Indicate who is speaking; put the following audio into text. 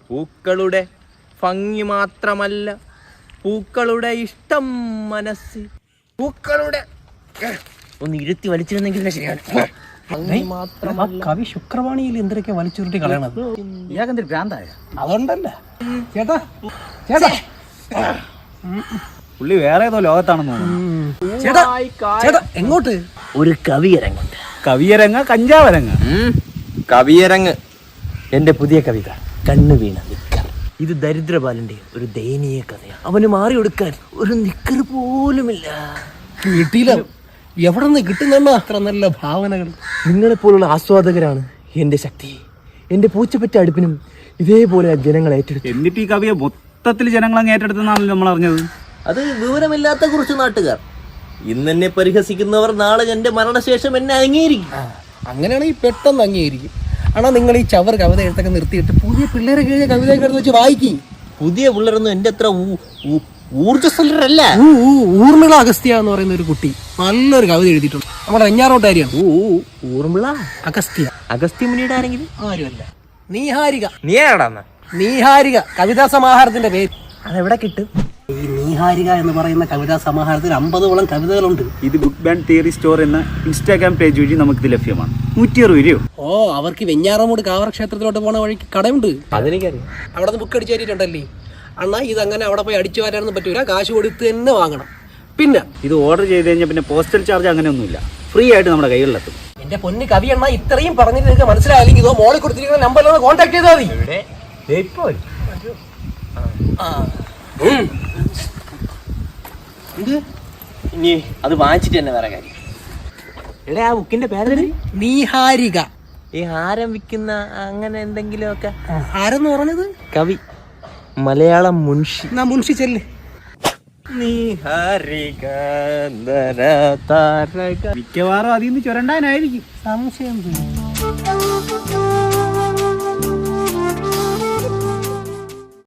Speaker 1: പൂക്കളുടെ ഭംഗി മാത്രമല്ല, പൂക്കളുടെ ഇഷ്ടം മനസ്സ്. പൂക്കളുടെ ഒന്ന് ഇരുത്തി വലിച്ചിരുന്നെങ്കിൽ ശരിയാണ്.
Speaker 2: കവി ശുക്രവാണിയിൽ എന്തൊക്കെ വലിച്ചുരുട്ടി കളയണത്?
Speaker 3: ഇയാൾക്കെന്തൊരു ഭ്രാന്തായ?
Speaker 2: അതുകൊണ്ടല്ല ചേട്ടാ, ചേട്ടാ
Speaker 3: പുള്ളി വേറെ ഏതോ ലോകത്താണെന്ന് തോന്നുന്നു.
Speaker 2: ചേട്ടാ, ചേട്ടാ എങ്ങോട്ട്?
Speaker 1: ഒരു കവിയരങ്ങുണ്ട്.
Speaker 3: കവിയരങ്ങ കഞ്ചാവരങ്ങ?
Speaker 1: കവിയരങ്ങ്. എന്റെ പുതിയ കവിത കണ്ണു വീണ നിക്കർ. ഇത് ദരിദ്രബാലന്റെ ഒരു ദയനീയ കഥയാണ്. അവന് മാറി കൊടുക്കാൻ ഒരു നിക്കർ പോലുമില്ല.
Speaker 2: കിട്ടിയില്ല. എവിടെ നിന്ന് കിട്ടുന്ന അത്ര നല്ല ഭാവനകൾ?
Speaker 1: നിങ്ങളെപ്പോലുള്ള ആസ്വാദകരാണ് എന്റെ ശക്തി. എന്റെ പൂച്ചപ്പറ്റ അടുപ്പിനും ഇതേപോലെ ജനങ്ങൾ ഏറ്റെടുത്തു.
Speaker 3: എന്നിട്ട് ഈ കവിയെ മൊത്തത്തിൽ ജനങ്ങളങ്ങ് ഏറ്റെടുത്തെന്നാണല്ലോ നമ്മൾ അറിഞ്ഞത്.
Speaker 1: അത് വിവരമില്ലാത്ത കുറച്ച് നാട്ടുകാർ. ഇന്ന് എന്നെ പരിഹസിക്കുന്നവർ നാളെ എന്റെ മരണശേഷം എന്നെ അംഗീകരിക്കും.
Speaker 2: അങ്ങനെയാണെങ്കിൽ പെട്ടെന്ന് അംഗീകരിക്കും. ആണോ നിങ്ങൾ ഈ ചവർ കവിത എഴുത്തൊക്കെ നിർത്തിയിട്ട് പുതിയ പിള്ളേരെ കഴിഞ്ഞ കവിതയൊക്കെ എടുത്ത് വെച്ച് വായിക്കും.
Speaker 1: പുതിയ പിള്ളേരൊന്നും എന്റെ അത്ര ഊർജ്ജസ്വലരല്ല.
Speaker 2: ഊർമിള അഗസ്ത്യ എന്ന് പറയുന്ന ഒരു കുട്ടി നല്ലൊരു കവിത എഴുതിയിട്ടുണ്ട്. നമ്മുടെ വെഞ്ഞാറോട്ടാരിയാണ്.
Speaker 1: ഊർമിള
Speaker 2: അഗസ്ത്യ.
Speaker 1: അഗസ്ത്യ മുനിയുടെ ആരെങ്കിലും?
Speaker 2: ആരുമല്ല, നീഹാരിക.
Speaker 1: നീ ആടാന്ന്?
Speaker 2: നീഹാരിക കവിതാ സമാഹാരത്തിന്റെ പേര്.
Speaker 1: അതെവിടെ കിട്ടും?
Speaker 2: ഈ നീഹാരിക എന്ന് പറയുന്ന കവിതാ സമാഹാരത്തിൽ 50ഓളം കവിതകളുണ്ട്.
Speaker 3: ഇത് ബുക്ക് ബാൻഡ് തിയറി സ്റ്റോർ എന്ന ഇൻസ്റ്റാഗ്രാം പേജ് വഴി നമുക്കിത് ലഭ്യമാണ്. 160 രൂപയോ?
Speaker 2: ഓ, അവർക്ക് വെഞ്ഞാറമൂട് കാവർ ക്ഷേത്രത്തിലോട്ട് പോണ വഴിക്ക് കടയുണ്ട്.
Speaker 1: അതെനിക്കറിയാം.
Speaker 2: അവിടെ നിന്ന് ബുക്ക് അടിച്ചു തരിയിട്ടുണ്ടല്ലേ അണ്ണാ. ഇതങ്ങനെ അവിടെ പോയി അടിച്ചു വരാനൊന്നും പറ്റൂല, കാശ് കൊടുത്ത് തന്നെ വാങ്ങണം. പിന്നെ
Speaker 3: ഇത് ഓർഡർ ചെയ്ത് കഴിഞ്ഞാൽ പിന്നെ പോസ്റ്റൽ ചാർജ് അങ്ങനെയൊന്നുമില്ല, ഫ്രീ ആയിട്ട് നമ്മുടെ കൈകളിലെത്തും.
Speaker 2: എന്റെ പൊന്ന് കവി അണ്ണാ, ഇത്രയും പറഞ്ഞിട്ട് നിങ്ങൾക്ക് മനസ്സിലായില്ലെങ്കിൽ ഇതോ മോളിൽ കൊടുത്തിരിക്കുന്ന നമ്പറിലൊന്ന് കോൺടാക്ട് ചെയ്താൽ മതി.
Speaker 1: ഇനി അത് വാങ്ങിച്ചിട്ട് തന്നെ വേറെ കാര്യം. എടാ, ആ ബുക്കിന്റെ പേര്
Speaker 2: നീഹാരിക.
Speaker 1: ഈ ഹാരം വിൽക്കുന്ന അങ്ങനെ എന്തെങ്കിലും ഒക്കെ.
Speaker 2: ആരെന്ന് പറഞ്ഞത്?
Speaker 1: കവി, മലയാളം മുൻഷി.
Speaker 2: മുൻഷി ചെല്ല്.
Speaker 3: മിക്കവാറും അതിൽ നിന്ന് ചുരണ്ടാനായിരിക്കും.
Speaker 2: സംശയം.